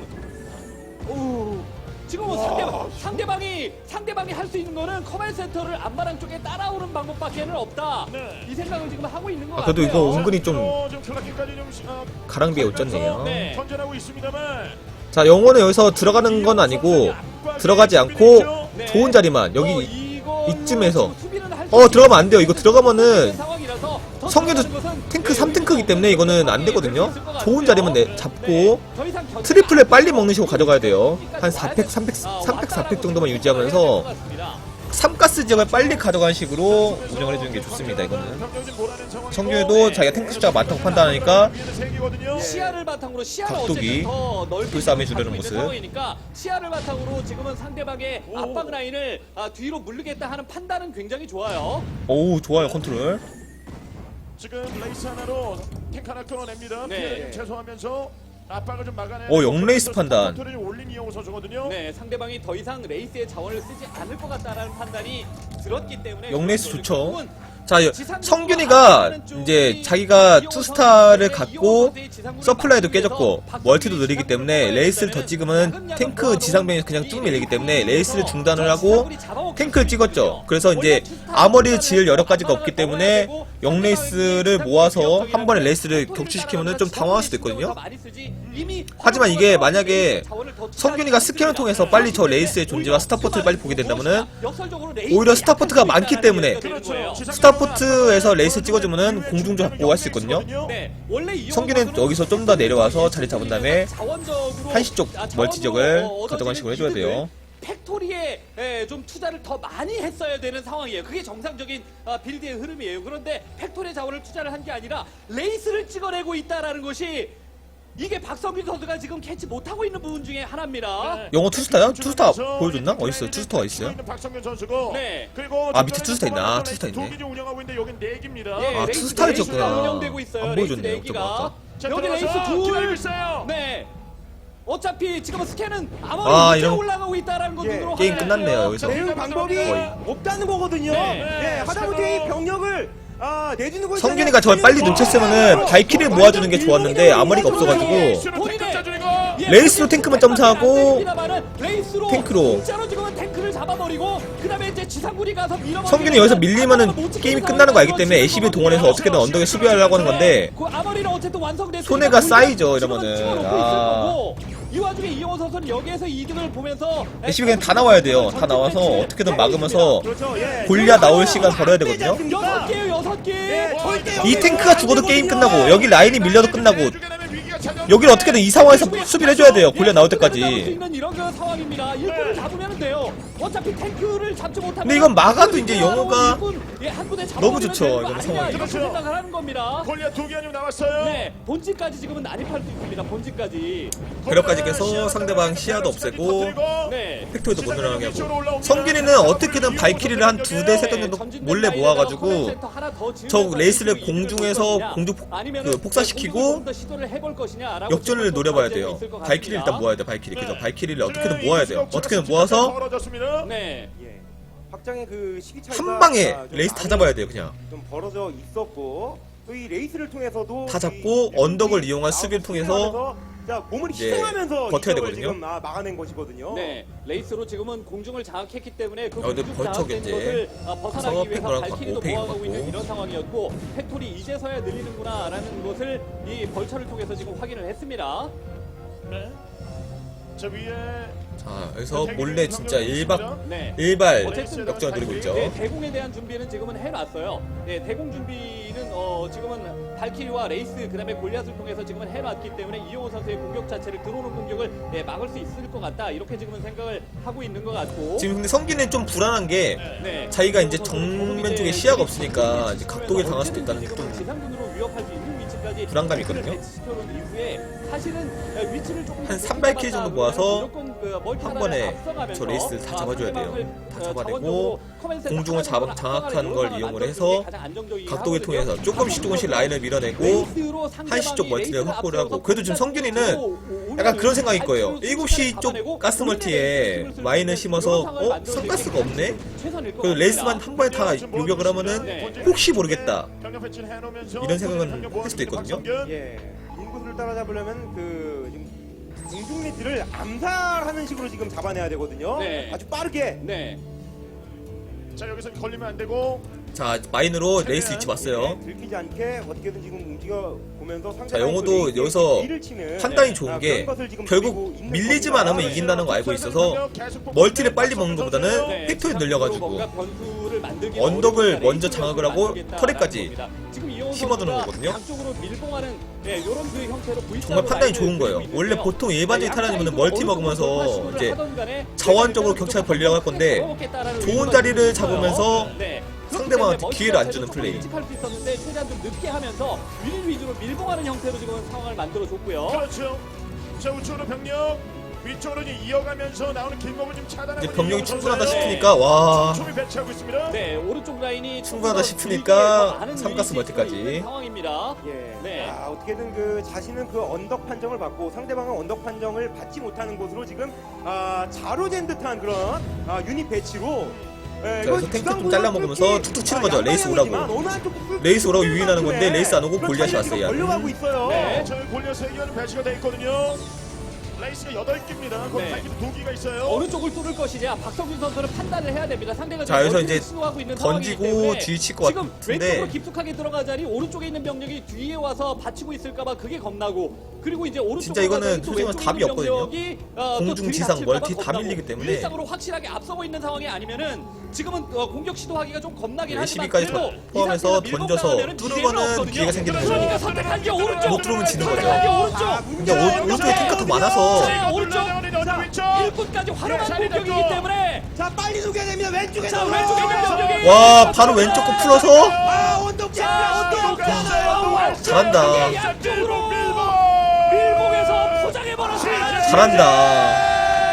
[SPEAKER 2] 지금 뭐 상대방이 할 수 있는 거는 커맨 센터를 안마랑 쪽에 따라오는 방법밖에는 없다.
[SPEAKER 1] 네.
[SPEAKER 2] 이 생각을 지금 하고 있는 것
[SPEAKER 4] 아,
[SPEAKER 2] 같아요.
[SPEAKER 4] 그래도 이거 은근히 좀
[SPEAKER 1] 좀 클라킹까지 좀
[SPEAKER 4] 가랑비에 옷졌네요.
[SPEAKER 2] 네.
[SPEAKER 1] 선전하고 있습니다만.
[SPEAKER 4] 자, 영호는 여기서 들어가는 건 아니고 들어가지 않고 좋은 자리만 여기 이쯤에서 들어가면 안 돼요. 이거 들어가면은 성균도 탱크 3탱크이기 때문에 이거는 안 되거든요. 좋은 자리만 잡고 트리플을 빨리 먹는 식으로 가져가야 돼요. 한 4팩, 4팩 정도만 유지하면서 3가스 지역을 빨리 가져가는 식으로 운영을 해주는 게 좋습니다. 이거는 성균도 자기가 탱크 숫자가 많다고 판단하니까
[SPEAKER 2] 시야를 바탕으로
[SPEAKER 4] 각도기,
[SPEAKER 2] 더 넓게
[SPEAKER 4] 불싸움해 주려는
[SPEAKER 2] 갖고 있는
[SPEAKER 4] 모습.
[SPEAKER 2] 상황이니까 시야를 바탕으로 지금은 상대방의 압박 라인을 뒤로 물르겠다 하는 판단은 굉장히 좋아요.
[SPEAKER 4] 오우, 좋아요. 컨트롤.
[SPEAKER 1] 지금 레이스 하나로 탱크 하나 끊어냅니다.
[SPEAKER 2] 네.
[SPEAKER 1] 피해를 좀 최소화하면서 압박을 좀 막아내.
[SPEAKER 4] 영레이스 판단.
[SPEAKER 1] 컨트롤이 올린 이영호 선수거든요.
[SPEAKER 2] 네, 상대방이 더 이상 레이스의 자원을 쓰지 않을 것 같다라는 판단이 들었기 때문에
[SPEAKER 4] 영레이스 좋죠.
[SPEAKER 2] 결국은
[SPEAKER 4] 자, 성균이가 이제 자기가 투스타를 갖고 서플라이도 깨졌고 멀티도 느리기 때문에 레이스를 더 찍으면 탱크 지상병이 그냥 쭉 밀리기 때문에 레이스를 중단을 하고 탱크를 찍었죠. 그래서 이제 아머리를 지을 여러 가지가 없기 때문에 영레이스를 모아서 한 번에 레이스를 격추시키면 좀 당황할 수도 있거든요. 하지만 이게 만약에 성균이가 스캔을 통해서 빨리 저 레이스의 존재와 스타포트를 빨리 보게 된다면은 오히려 스타포트가 많기 때문에 스타포트에서 레이스 찍어주면은 공중조 잡고 할 수 있거든요. 성균이는 여기서 좀 더 내려와서 자리 잡은 다음에 한시 쪽 멀티 지역을 가져가는 식으로 해줘야 돼요.
[SPEAKER 2] 팩토리에 좀 투자를 더 많이 했어야 되는 상황이에요. 그게 정상적인 빌드의 흐름이에요. 그런데 팩토리 자원을 투자를 한 게 아니라 레이스를 찍어내고 있다라는 것이 이게 박성균 선수가 지금 캐치 못하고 있는 부분 중에 하나입니다.
[SPEAKER 4] 영어 투스타요? 투스타 보여줬나? 어딨어요? 투스타가 있어요?
[SPEAKER 1] 박성균 선수고.
[SPEAKER 2] 네.
[SPEAKER 1] 그리고
[SPEAKER 4] 밑에 투스타 있나? 투스타 있네.
[SPEAKER 1] 두 개 운영하고 있는데 여긴 4개입니다.
[SPEAKER 2] 네,
[SPEAKER 4] 아,
[SPEAKER 2] 레이스
[SPEAKER 4] 투스타를
[SPEAKER 2] 레이스가
[SPEAKER 4] 쳤구나.
[SPEAKER 2] 운영되고 있어요.
[SPEAKER 4] 안
[SPEAKER 2] 레이스
[SPEAKER 4] 보여줬네요,
[SPEAKER 2] 내기가.
[SPEAKER 4] 좀 아까.
[SPEAKER 2] 여기 레이스
[SPEAKER 1] 기다리고
[SPEAKER 2] 둘.
[SPEAKER 1] 있어요.
[SPEAKER 2] 네. 어차피 지금 스캔은
[SPEAKER 4] 아,
[SPEAKER 2] 아무리
[SPEAKER 4] 이런-
[SPEAKER 2] 올라가고 있다라는 것
[SPEAKER 3] 예,
[SPEAKER 2] 등으로
[SPEAKER 4] 게임
[SPEAKER 2] 확인을
[SPEAKER 4] 끝났네요,
[SPEAKER 2] 해요.
[SPEAKER 4] 여기서.
[SPEAKER 3] 대응 방법이
[SPEAKER 4] 거의.
[SPEAKER 3] 없다는 거거든요.
[SPEAKER 2] 네.
[SPEAKER 3] 하다못해 이 병력을 내주는 거
[SPEAKER 4] 성균이가 저걸 빨리 눈쳤으면은 발키를 모아주는 게 좋았는데 아머리가 없어가지고 레이스로 탱크만 점사하고 탱크로.
[SPEAKER 2] 진짜로 지금은 탱크를 잡아버리고 그다음에 이제 지상군이 가서 밀어버리고
[SPEAKER 4] 성균이 여기서 밀리면은 게임이 끝나는 거 알기 때문에 ACB 동원해서 어떻게든 언덕에 수비하려고 하는 건데
[SPEAKER 2] 그 아머리는 어쨌든 완성됐으니까
[SPEAKER 4] 손해가 쌓이죠,
[SPEAKER 2] 지금은
[SPEAKER 4] 이러면은.
[SPEAKER 2] 찍어놓고
[SPEAKER 4] 아.
[SPEAKER 2] 있을 거고. 이 와중에 이영호 선수는 여기에서 이득을 보면서
[SPEAKER 4] ACB 그냥 다 나와야 돼요. 다 나와서 어떻게든 막으면서
[SPEAKER 3] 그렇죠.
[SPEAKER 4] 골리앗 나올 시간 벌어야 되거든요.
[SPEAKER 2] 6개요 6개.
[SPEAKER 4] 이 탱크가 죽어도 게임 끝나고 여기 라인이 밀려도 끝나고 여기를 어떻게든 이 상황에서 수비를 해줘야 돼요. 골리앗 나올
[SPEAKER 2] 잡을 수
[SPEAKER 4] 때까지.
[SPEAKER 2] 있는 이런 그 상황입니다. 일꾼을 잡으면 돼요. 어차피 탱크를 잡지 못하면.
[SPEAKER 4] 근데 이건 막아도 이제 영호가
[SPEAKER 2] 한 군데
[SPEAKER 4] 너무 좋죠, 이건
[SPEAKER 2] 이건
[SPEAKER 4] 상황이.
[SPEAKER 2] 이렇게 생각을 하는 겁니다.
[SPEAKER 1] 골리앗 2개 아니면 나왔어요.
[SPEAKER 2] 네, 본진까지 지금은 난입할 수 있습니다. 본진까지.
[SPEAKER 4] 그력까지 깨서 상대방 시야도 없애고
[SPEAKER 2] 네.
[SPEAKER 4] 팩토리도 못 늘어나게 하고 성균이는 어떻게든 발키리를 한 2대 3대 정도 몰래 모아가지고 저 레이스를 공중에서 폭사시키고 역전을 노려봐야 돼요. 발키리 일단 모아야 돼. 발키리 그죠? 발키리를 어떻게든 모아야 돼요. 어떻게든 모아서
[SPEAKER 2] 네.
[SPEAKER 3] 예. 확장의 그 시기 차이가
[SPEAKER 4] 한 방에
[SPEAKER 3] 좀
[SPEAKER 4] 레이스 다
[SPEAKER 3] 많이
[SPEAKER 4] 잡아야 돼요. 그냥
[SPEAKER 3] 좀 벌어져 있었고 또 이 레이스를 통해서도
[SPEAKER 4] 다 잡고 언덕을 이용한 수비를 통해서
[SPEAKER 3] 자, 몸을
[SPEAKER 4] 이제
[SPEAKER 3] 희생하면서
[SPEAKER 4] 버텨야
[SPEAKER 3] 이걸
[SPEAKER 4] 되거든요.
[SPEAKER 3] 지금 막아낸 것이거든요.
[SPEAKER 2] 네, 레이스로 지금은 공중을 장악했기 때문에 그
[SPEAKER 4] 근데
[SPEAKER 2] 공중
[SPEAKER 4] 벌써
[SPEAKER 2] 장악된
[SPEAKER 4] 이제
[SPEAKER 2] 것을 벗어나기 위해서
[SPEAKER 4] 팩토리랑
[SPEAKER 2] 발키리도
[SPEAKER 4] 팩을
[SPEAKER 2] 모아가고
[SPEAKER 4] 받고.
[SPEAKER 2] 있는 이런 상황이었고 팩토리 이제서야 늘리는구나라는 것을 이 벌처를 통해서 지금 확인을 했습니다.
[SPEAKER 1] 네. 저 위에
[SPEAKER 4] 자 여기서 몰래 진짜
[SPEAKER 2] 네.
[SPEAKER 4] 일발
[SPEAKER 2] 어쨌든
[SPEAKER 4] 역전을 노리고 있죠.
[SPEAKER 2] 네, 대공에 대한 준비는 지금은 해놨어요. 네, 대공 준비는 지금은 발키리와 레이스 그다음에 골리앗을 통해서 지금은 해놨기 때문에 이영호 선수의 공격 자체를 들어오는 공격을 막을 수 있을 것 같다 이렇게 지금은 생각을 하고 있는 것 같고.
[SPEAKER 4] 지금 근데 성균이는 좀 불안한 게
[SPEAKER 2] 네.
[SPEAKER 4] 자기가 이제 정면 쪽에 시야가 없으니까 이제 각도에 당할 수도 있다는 좀
[SPEAKER 2] 지상군으로 위협할 수 있는 위치까지
[SPEAKER 4] 불안감이 있거든요.
[SPEAKER 2] 배치시켜놓은 이후에 사실은 위치를 조금
[SPEAKER 4] 한 3발키리 정도 모아서
[SPEAKER 2] 무조건 그 멀티
[SPEAKER 4] 한
[SPEAKER 2] 하나를
[SPEAKER 4] 번에
[SPEAKER 2] 앞서가면서
[SPEAKER 4] 저 레이스를 다 잡아줘야 돼요.
[SPEAKER 2] 상대방을,
[SPEAKER 4] 다 잡아내고
[SPEAKER 2] 자원적으로 커맨드 센터
[SPEAKER 4] 공중을
[SPEAKER 2] 하나로
[SPEAKER 4] 장악한
[SPEAKER 2] 하나를
[SPEAKER 4] 걸
[SPEAKER 2] 이용하는
[SPEAKER 4] 이용을
[SPEAKER 2] 만들어주는
[SPEAKER 4] 해서
[SPEAKER 2] 게 가장 안정적이긴
[SPEAKER 4] 각도기
[SPEAKER 2] 하거든요.
[SPEAKER 4] 통해서 조금씩 라인을 밀어내고
[SPEAKER 2] 레이스로 상대방이
[SPEAKER 4] 한시 쪽 멀티를
[SPEAKER 2] 레이스를
[SPEAKER 4] 확보를 하고
[SPEAKER 2] 앞서서
[SPEAKER 4] 그래도 지금 성균이는
[SPEAKER 2] 오면은
[SPEAKER 4] 약간 그런 생각일 거예요.
[SPEAKER 2] 안쪽으로
[SPEAKER 4] 7시 쪽
[SPEAKER 2] 잡아내고
[SPEAKER 4] 가스 멀티에
[SPEAKER 2] 레이스를 쓸
[SPEAKER 4] 마인을
[SPEAKER 2] 수
[SPEAKER 4] 심어서
[SPEAKER 2] 있는 그런 상황을
[SPEAKER 4] 성가스가 없네?
[SPEAKER 2] 최선일 것
[SPEAKER 4] 그 레이스만
[SPEAKER 2] 같습니다.
[SPEAKER 4] 한 번에 다 요격을 하면은 혹시 모르겠다 이런 생각은 할 수도 있거든요.
[SPEAKER 3] 예, 인구수를 따라잡으려면 그 지금 공중리들을 암살하는 식으로 지금 잡아내야 되거든요.
[SPEAKER 2] 네.
[SPEAKER 3] 아주 빠르게.
[SPEAKER 2] 네.
[SPEAKER 1] 자 여기서 걸리면 안 되고
[SPEAKER 4] 자 마인으로 레이스 위치 왔어요.
[SPEAKER 3] 들키지 않게 어떻게든 지금 움직여 보면서
[SPEAKER 4] 자 영호도 여기서 판단이 좋은 게 결국 밀리지만 않으면 이긴다는 거 알고 있어서 멀티를 빨리 먹는 것보다는
[SPEAKER 2] 네,
[SPEAKER 4] 팩토리 늘려가지고
[SPEAKER 2] 뭔가 변수를 만들기
[SPEAKER 4] 언덕을
[SPEAKER 2] 어려우니까
[SPEAKER 4] 먼저
[SPEAKER 2] 레이스를
[SPEAKER 4] 장악을 하고
[SPEAKER 2] 만들겠다라는
[SPEAKER 4] 터렛까지
[SPEAKER 2] 겁니다. 지금 이용호
[SPEAKER 4] 심어두는
[SPEAKER 2] 선수가
[SPEAKER 4] 거거든요.
[SPEAKER 2] 양쪽으로 밀봉하는 네, 이런 그 형태로
[SPEAKER 4] 정말 판단이 좋은 거예요. 원래 보통 일반적인 테란이면 멀티 먹으면서 이제 자원적으로 격차를 벌리려고 할 건데 좋은 자리를 잡으면서 상대방한테 기회를 안 주는 플레이.
[SPEAKER 2] 할 수 있었는데 최대한 좀 늦게 하면서 위주로 밀봉하는 형태로 지금 상황을 만들어줬고요.
[SPEAKER 1] 그렇죠. 자 우측으로 병력 위쪽으로 이어가면서 나오는 길목을 좀 차단하고
[SPEAKER 4] 이제 병력이
[SPEAKER 1] 있는
[SPEAKER 4] 충분하다
[SPEAKER 1] 선수예요.
[SPEAKER 4] 싶으니까 와
[SPEAKER 1] 촘촘히 배치하고 있습니다.
[SPEAKER 2] 네, 오른쪽 라인이
[SPEAKER 4] 충분하다
[SPEAKER 2] 조금 더
[SPEAKER 4] 싶으니까
[SPEAKER 2] 길게 더 많은
[SPEAKER 4] 삼가스
[SPEAKER 2] 유닛이
[SPEAKER 4] 멀티까지.
[SPEAKER 2] 있는 상황입니다.
[SPEAKER 3] 예.
[SPEAKER 2] 네.
[SPEAKER 3] 아, 어떻게든 그 자신은 그 언덕 판정을 받고 상대방은 언덕 판정을 받지 못하는 곳으로 지금 자로잰 듯한 그런 유닛 배치로. 예,
[SPEAKER 4] 자, 그래서 탱크 좀 잘라먹으면서 툭툭 치는 거죠. 레이스 오라고. 레이스 오라고 유인하는 건데 레이스 안 오고 골리앗이 왔어요.
[SPEAKER 3] 걸려가고 있어요.
[SPEAKER 2] 네.
[SPEAKER 1] 저희 골리앗 3개는 배치가 돼 있거든요. 레이스가 8개입니다. 거기
[SPEAKER 2] 네.
[SPEAKER 1] 2개가 있어요.
[SPEAKER 2] 어느 쪽을 뚫을 것이냐 박성균 선수는 판단을 해야 됩니다. 상대가
[SPEAKER 4] 자, 여기서
[SPEAKER 2] 멀티를
[SPEAKER 4] 이제
[SPEAKER 2] 시도하고 있는
[SPEAKER 4] 던지고
[SPEAKER 2] 상황이기 때문에
[SPEAKER 4] 뒤에 칠 것
[SPEAKER 2] 지금
[SPEAKER 4] 같은데.
[SPEAKER 2] 왼쪽으로 깊숙하게 들어가자니 오른쪽에 있는 병력이 뒤에 와서 받치고 있을까봐 그게 겁나고 그리고 이제 오른쪽으로
[SPEAKER 4] 진짜 이거는
[SPEAKER 2] 가자니 또
[SPEAKER 4] 솔직히
[SPEAKER 2] 왼쪽에
[SPEAKER 4] 답이
[SPEAKER 2] 있는
[SPEAKER 4] 없거든요.
[SPEAKER 2] 병력이, 또
[SPEAKER 4] 공중, 지상,
[SPEAKER 2] 들이닥칠까봐
[SPEAKER 4] 멀티 다
[SPEAKER 2] 겁나고
[SPEAKER 4] 밀리기 때문에.
[SPEAKER 2] 일상으로 확실하게 앞서고 있는 상황이 아니면은 지금은 공격 시도하기가 좀 겁나긴 하지만
[SPEAKER 4] 12까지
[SPEAKER 2] 그래도
[SPEAKER 4] 포함해서
[SPEAKER 2] 이 상태에서
[SPEAKER 4] 던져서
[SPEAKER 2] 밀고
[SPEAKER 4] 뚫는
[SPEAKER 2] 나가면은
[SPEAKER 4] 거는
[SPEAKER 2] 기회는
[SPEAKER 4] 기회가 생기는
[SPEAKER 2] 없거든요.
[SPEAKER 4] 거죠.
[SPEAKER 2] 그러니까 선택한 게 오른쪽
[SPEAKER 4] 못 들어오면 지는 거죠.
[SPEAKER 2] 선택한 게 오른쪽
[SPEAKER 4] 근데 오른쪽에 탱크가 더 많아서
[SPEAKER 2] 자, 오른쪽
[SPEAKER 1] 위쪽.
[SPEAKER 2] 일꾼까지 활용한 공격이기 때문에
[SPEAKER 3] 자, 빨리 속여야 됩니다. 왼쪽에
[SPEAKER 2] 자 왼쪽에 있는 병력이
[SPEAKER 4] 와 바로 왼쪽 거 풀어서
[SPEAKER 3] 언덕
[SPEAKER 2] 자
[SPEAKER 3] 언덕.
[SPEAKER 4] 잘한다.
[SPEAKER 2] 양쪽으로 밀봉해서 포장해버렸습니다.
[SPEAKER 4] 잘한다.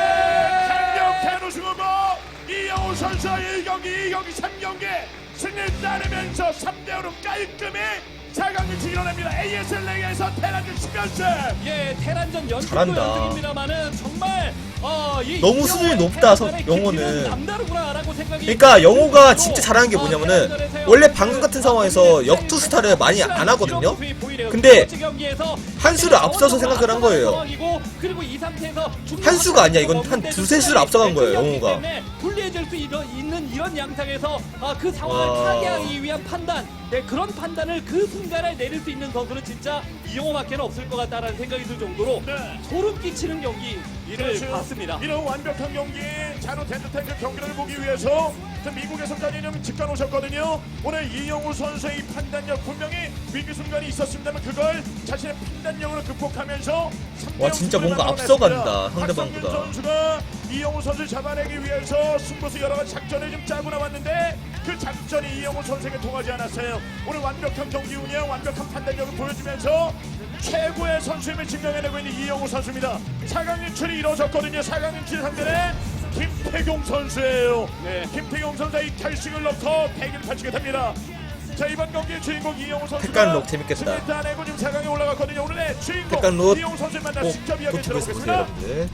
[SPEAKER 1] 강력한 우승후보 이영호 선수의 1경기, 2경기, 3경기 승리를 따내면서 3대5로 깔끔히 4강을 이뤄냅니다. ASL 리그에서 테란전 10연승.
[SPEAKER 2] 예, 테란전 연승도
[SPEAKER 4] 잘한다.
[SPEAKER 2] 연승입니다만은 정말 이
[SPEAKER 4] 너무
[SPEAKER 2] 이영호의
[SPEAKER 4] 수준이 높다,
[SPEAKER 2] 테란전의
[SPEAKER 4] 영호는.
[SPEAKER 2] 깊이는 남다르구나라고 생각이
[SPEAKER 4] 그러니까 영호가
[SPEAKER 2] 들고,
[SPEAKER 4] 진짜 잘하는 게 뭐냐면은
[SPEAKER 2] 테란전에서요.
[SPEAKER 4] 원래 방금 같은 상황에서 역투 스타를 많이 안 하거든요.
[SPEAKER 2] 보이래요.
[SPEAKER 4] 근데
[SPEAKER 2] 두 번째 경기에서
[SPEAKER 4] 한 수를 앞서서 생각을 한 거예요.
[SPEAKER 2] 상황이고, 그리고 이 상태에서
[SPEAKER 4] 한 수가 아니야. 이건 한 두세 수를 앞서간 거예요, 영호가.
[SPEAKER 2] 불리해질 수 있는 이런 양상에서 그 상황을
[SPEAKER 4] 와.
[SPEAKER 2] 타개하기 위한 판단, 네, 그런 판단을 그 순간에 내릴 수 있는 선수는 진짜 이영호밖에 없을 것 같다라는 생각이 들 정도로
[SPEAKER 1] 네.
[SPEAKER 2] 소름 끼치는 경기를 봤습니다.
[SPEAKER 1] 이런 완벽한 경기, 자로 된 듯한 그 경기를 보기 위해서 미국에서까지 좀 직관 오셨거든요. 오늘 이영호 선수의 이 판단력 분명히 위기 순간이 있었습니다만 그걸 자신의 판단력으로 극복하면서
[SPEAKER 4] 와, 진짜 뭔가 앞서간다, 상대방보다.
[SPEAKER 1] 박성균 선수가 이영호 선수를 잡아내기 위해서 승부수 여러 가지 작전을 좀 짜고 나왔는데 그 작전이 이영호 선수에게 통하지 않았어요. 오늘 완벽한 경기 운영, 완벽한 판단력을 보여주면서 최고의 선수임을 증명해내고 있는 이영호 선수입니다. 4강 진출이 이루어졌거든요. 4강 진출 상대는 김태경 선수예요.
[SPEAKER 2] 네.
[SPEAKER 1] 김태경 선수의 이 결승을 넣고 대결을 펼치게 됩니다. 자, 이번 경기의 주인공 이영호 선수가
[SPEAKER 4] 백간록 재밌겠다.
[SPEAKER 1] 승리 따내고 지금 4강에 올라갔거든요. 오늘의 주인공
[SPEAKER 4] 백간록
[SPEAKER 1] 이영호 선수를 만나
[SPEAKER 4] 꼭
[SPEAKER 1] 직접 이야기
[SPEAKER 4] 노트북에서 보세요,
[SPEAKER 1] 들어보겠습니다.
[SPEAKER 4] 여러분들.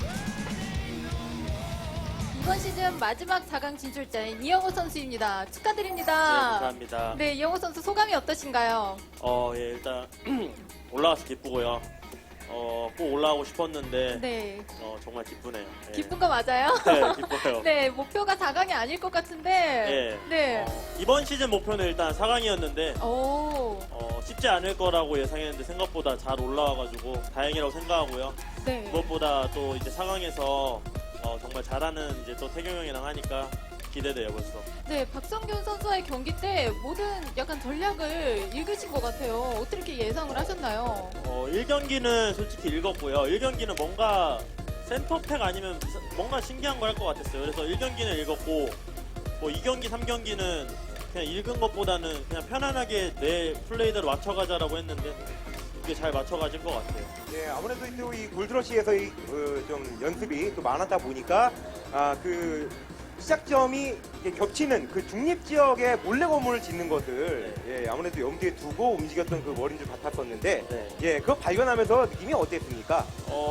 [SPEAKER 6] 이번 시즌 마지막 4강 진출자인 이영호 선수입니다. 축하드립니다.
[SPEAKER 7] 감사합니다.
[SPEAKER 6] 네, 이영호 선수 소감이 어떠신가요?
[SPEAKER 7] 예, 일단 올라와서 기쁘고요. 꼭 올라가고 싶었는데
[SPEAKER 6] 네,
[SPEAKER 7] 정말 기쁘네요. 예.
[SPEAKER 6] 기쁜 거 맞아요?
[SPEAKER 7] 네, 기뻐요.
[SPEAKER 6] 네, 목표가 4강이 아닐 것 같은데.
[SPEAKER 7] 예.
[SPEAKER 6] 네.
[SPEAKER 7] 이번 시즌 목표는 일단 4강이었는데
[SPEAKER 6] 오,
[SPEAKER 7] 쉽지 않을 거라고 예상했는데 생각보다 잘 올라와가지고 다행이라고 생각하고요.
[SPEAKER 6] 네.
[SPEAKER 7] 무엇보다 또 이제 4강에서 정말 잘하는 이제 또 태경 형이랑 하니까 기대돼요 벌써.
[SPEAKER 6] 네, 박성균 선수와의 경기 때 모든 약간 전략을 읽으신 것 같아요. 어떻게 예상을 하셨나요?
[SPEAKER 7] 1경기는 솔직히 읽었고요. 1경기는 뭔가 센터팩 아니면 뭔가 신기한 걸 할 것 같았어요. 그래서 1경기는 읽었고 뭐 2경기, 3경기는 그냥 읽은 것보다는 그냥 편안하게 내 플레이대로 맞춰가자라고 했는데 그게 잘 맞춰가진 것 같아요.
[SPEAKER 3] 예, 아무래도 또 이 골드러시에서 좀 연습이 또 많았다 보니까 그 시작점이 이게 겹치는 그 중립 지역에 몰래 건물을 짓는 것을 예, 아무래도 염두에 두고 움직였던 그 머린 줄 같았었는데
[SPEAKER 7] 네.
[SPEAKER 3] 예, 그거 발견하면서 느낌이 어땠습니까?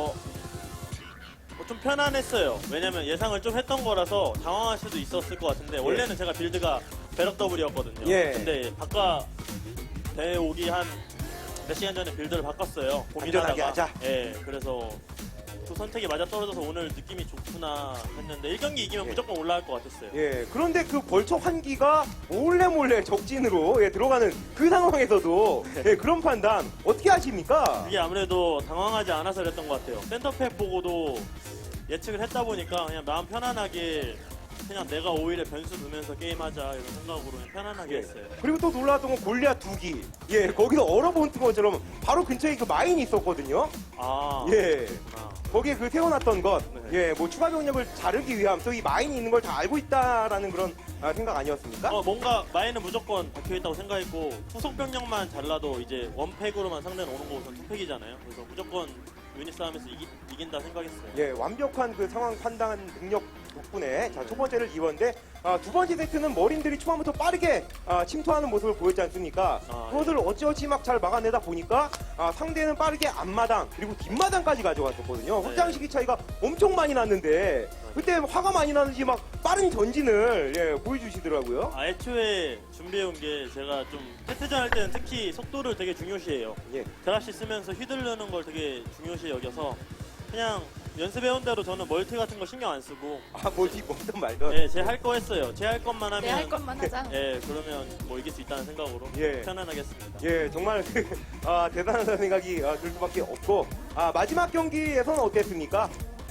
[SPEAKER 7] 뭐좀 편안했어요. 왜냐면 예상을 좀 했던 거라서 당황할 수도 있었을 것 같은데 원래는 제가 빌드가 배럭 더블이었거든요.
[SPEAKER 3] 예.
[SPEAKER 7] 근데 바꿔 대회 오기 한 몇 시간 전에 빌드를 바꿨어요.
[SPEAKER 3] 안전하게
[SPEAKER 7] 고민하다가.
[SPEAKER 3] 하자.
[SPEAKER 7] 예. 그래서 두 선택이 맞아 떨어져서 오늘 느낌이 좋구나 했는데 1경기 이기면
[SPEAKER 3] 예.
[SPEAKER 7] 무조건 올라갈 것 같았어요.
[SPEAKER 3] 예, 그런데 그 벌처 환기가 몰래 적진으로 예, 들어가는 그 상황에서도 예, 그런 판단 어떻게 하십니까?
[SPEAKER 7] 이게 아무래도 당황하지 않아서 그랬던 것 같아요. 센터팩 보고도 예측을 했다 보니까 그냥 마음 편안하게 그냥 내가 오히려 변수 두면서 게임하자 이런 생각으로 그냥 편안하게
[SPEAKER 3] 예.
[SPEAKER 7] 했어요.
[SPEAKER 3] 그리고 또 놀라웠던 건 골리앗 2기. 예, 거기서 얼어붙은 것처럼 바로 근처에 그 마인이 있었거든요.
[SPEAKER 7] 아,
[SPEAKER 3] 예.
[SPEAKER 7] 그렇구나.
[SPEAKER 3] 거기에 그 세워놨던 것,
[SPEAKER 7] 네.
[SPEAKER 3] 예, 뭐 추가 병력을 자르기 위함, 또 이 마인이 있는 걸 다 알고 있다라는 그런 생각 아니었습니까?
[SPEAKER 7] 뭔가 마인은 무조건 박혀있다고 생각했고 후속 병력만 잘라도 이제 원팩으로만 상대는 오는 거 우선 투팩이잖아요. 그래서 무조건 유닛 싸움에서 이긴다 생각했어요.
[SPEAKER 3] 예, 완벽한 그 상황 판단 능력 덕분에 자, 첫 번째를 이뤘는데 두 번째 세트는 머린들이 초반부터 빠르게 침투하는 모습을 보였지 않습니까?
[SPEAKER 7] 아,
[SPEAKER 3] 그것을 어찌어찌 막 잘 막아내다 보니까 상대는 빠르게 앞마당 그리고 뒷마당까지 가져갔었거든요.
[SPEAKER 7] 네.
[SPEAKER 3] 확장 시기 차이가 엄청 많이 났는데 그때 화가 많이 나는지 막 빠른 전진을 예, 보여주시더라고요.
[SPEAKER 7] 애초에 준비해온 게 제가 좀 세트전 할 때는 특히 속도를 되게 중요시해요.
[SPEAKER 3] 예.
[SPEAKER 7] 드랍시 쓰면서 휘둘르는 걸 되게 중요시 여겨서 그냥 연습해온 대로 저는 멀티 같은 거 신경 안 쓰고
[SPEAKER 3] 뭐지 뭐든 말든.
[SPEAKER 7] 예, 제 할 거 했어요. 제 할 것만 하면
[SPEAKER 6] 내 할 것만 하자.
[SPEAKER 7] 예, 그러면 뭐 이길 수 있다는 생각으로
[SPEAKER 3] 예.
[SPEAKER 7] 편안하게 했습니다.
[SPEAKER 3] 예, 정말 대단하다는 생각이 들 수밖에 없고 마지막 경기에서는 어땠습니까?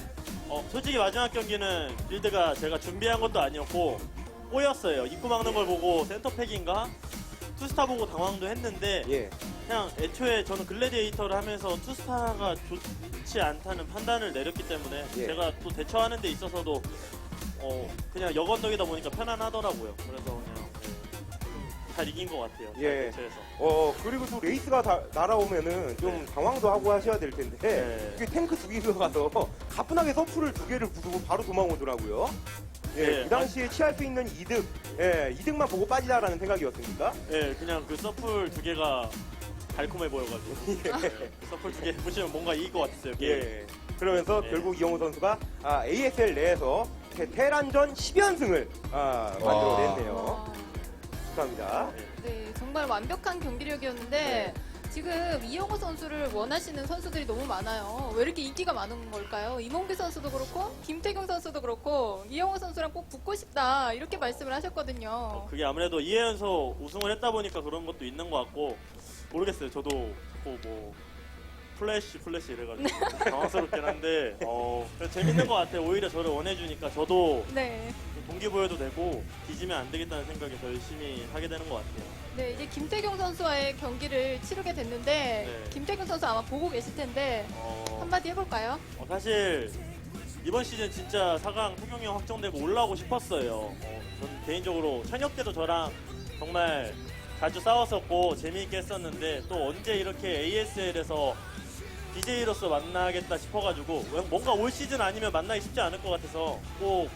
[SPEAKER 7] 솔직히 마지막 경기는 빌드가 제가 준비한 것도 아니었고 꼬였어요. 입구 막는 걸 보고 센터팩인가? 투스타 보고 당황도 했는데
[SPEAKER 3] 예,
[SPEAKER 7] 그냥 애초에 저는 글래디에이터를 하면서 투스타가 좋지 않다는 판단을 내렸기 때문에
[SPEAKER 3] 예.
[SPEAKER 7] 제가 또 대처하는 데 있어서도 그냥 역언덕이다 보니까 편안하더라고요. 그래서 그냥 잘 이긴 것 같아요. 잘
[SPEAKER 3] 예.
[SPEAKER 7] 대처해서.
[SPEAKER 3] 그리고 또 레이스가 날아오면은 좀 당황도 하고 하셔야 될 텐데
[SPEAKER 7] 네.
[SPEAKER 3] 이게 탱크 2개가 가서 가뿐하게 서프를 2개를 부수고 바로 도망오더라고요. 예,
[SPEAKER 7] 네,
[SPEAKER 3] 그 당시에 취할 수 있는 이득, 예, 이득만 보고 빠지자라는 생각이었습니까?
[SPEAKER 7] 예, 그냥 그 서플 두 개가 달콤해 보여가지고 그 서플 두 개 보시면 뭔가 이길 것 같았어요. 게임.
[SPEAKER 3] 예. 그러면서
[SPEAKER 7] 예.
[SPEAKER 3] 결국 이영호 선수가 ASL 내에서 테란전 10연승을 만들어냈네요.
[SPEAKER 6] 와.
[SPEAKER 3] 축하합니다.
[SPEAKER 6] 네, 정말 완벽한 경기력이었는데 지금 이영호 선수를 원하시는 선수들이 너무 많아요. 왜 이렇게 인기가 많은 걸까요? 이몽규 선수도 그렇고 김태경 선수도 그렇고 이영호 선수랑 꼭 붙고 싶다 이렇게 말씀을 하셨거든요.
[SPEAKER 7] 그게 아무래도 2회연속 우승을 했다 보니까 그런 것도 있는 것 같고 모르겠어요. 저도 자꾸 뭐 플래시 이래가지고 당황스럽긴 한데 재밌는 것 같아요. 오히려 저를 원해주니까 저도
[SPEAKER 6] 네.
[SPEAKER 7] 동기부여도 되고 뒤지면 안 되겠다는 생각에 더 열심히 하게 되는 것 같아요.
[SPEAKER 6] 네, 이제 김태경 선수와의 경기를 치르게 됐는데
[SPEAKER 7] 네.
[SPEAKER 6] 김태경 선수 아마 보고 계실 텐데 한마디 해볼까요?
[SPEAKER 7] 사실 이번 시즌 진짜 4강 태경이 형 확정되고 올라오고 싶었어요. 저는 개인적으로 현역 때도 저랑 정말 자주 싸웠었고 재미있게 했었는데 또 언제 이렇게 ASL에서 DJ로서 만나겠다 싶어가지고 뭔가 올 시즌 아니면 만나기 쉽지 않을 것 같아서 꼭